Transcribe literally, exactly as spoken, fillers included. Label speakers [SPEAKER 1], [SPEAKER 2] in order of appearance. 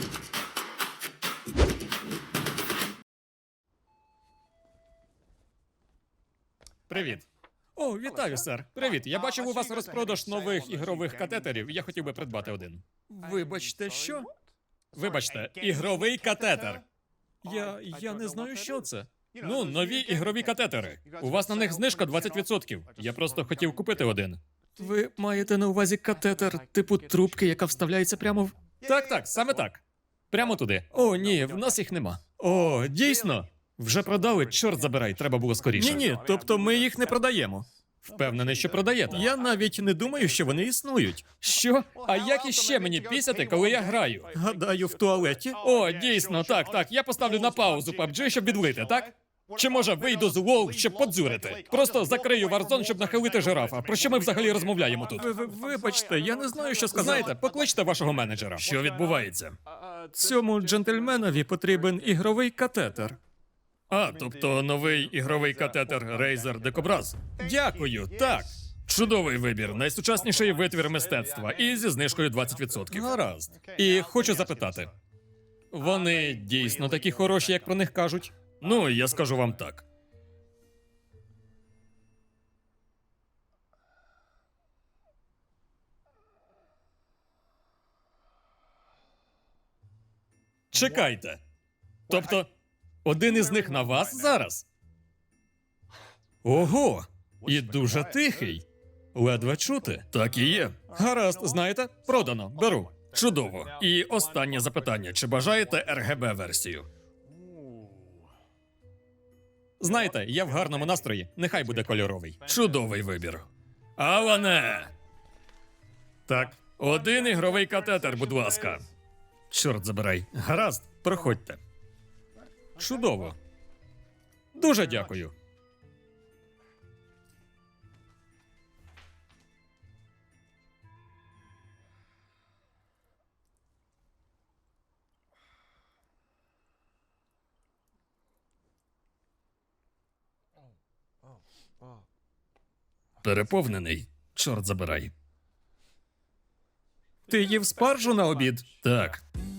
[SPEAKER 1] Привіт. О, вітаю, сер. Привіт. Я бачив у вас розпродаж нових ігрових катетерів. Я хотів би придбати один.
[SPEAKER 2] Вибачте, що?
[SPEAKER 1] Вибачте, ігровий катетер.
[SPEAKER 2] Я. я не знаю, що це.
[SPEAKER 1] Ну, нові ігрові катетери. У вас на них знижка двадцять відсотків. Я просто хотів купити один.
[SPEAKER 2] Ви маєте на увазі катетер типу трубки, яка вставляється прямо в.
[SPEAKER 1] Так, так, саме так. Прямо туди.
[SPEAKER 2] О, ні, в нас їх нема.
[SPEAKER 1] О, дійсно. Вже продали, чорт забирай, треба було скоріше.
[SPEAKER 2] Ні, ні, тобто ми їх не продаємо.
[SPEAKER 1] Впевнений, що продаєте.
[SPEAKER 2] Я навіть не думаю, що вони існують.
[SPEAKER 1] Що? А як іще мені пісяти, коли я граю?
[SPEAKER 2] Гадаю, в туалеті.
[SPEAKER 1] О, дійсно, так, так. Я поставлю на паузу паб джі, щоб відлити, так? Чи може вийду з лол, щоб подзюрити? Просто закрию Warzone, щоб нахилити жирафа. Про що ми взагалі розмовляємо тут?
[SPEAKER 2] Ви, ви, вибачте, я не знаю, що сказати.
[SPEAKER 1] Знаєте, покличте вашого менеджера.
[SPEAKER 2] Що відбувається? Цьому джентльменові потрібен ігровий катетер.
[SPEAKER 1] А, тобто новий ігровий катетер Razer Decobras. Дякую, так. Чудовий вибір, найсучасніший витвір мистецтва і зі знижкою двадцять відсотків. Гаразд. І хочу запитати: вони дійсно такі хороші, як про них кажуть? Ну, я скажу вам так. Чекайте. Тобто, один із них на вас зараз? Ого! І дуже тихий. Ледве чути. Так і є. Гаразд, знаєте, продано, беру. Чудово. І останнє запитання: чи бажаєте ар ге бе-версію? Знаєте, я в гарному настрої, нехай буде кольоровий. Чудовий вибір. Алане! Так, один ігровий катетер, будь ласка. Чорт забирай. Гаразд, проходьте. Чудово. Дуже дякую. Переповнений. Чорт забирай.
[SPEAKER 2] Ти їв спаржу на обід?
[SPEAKER 1] Так.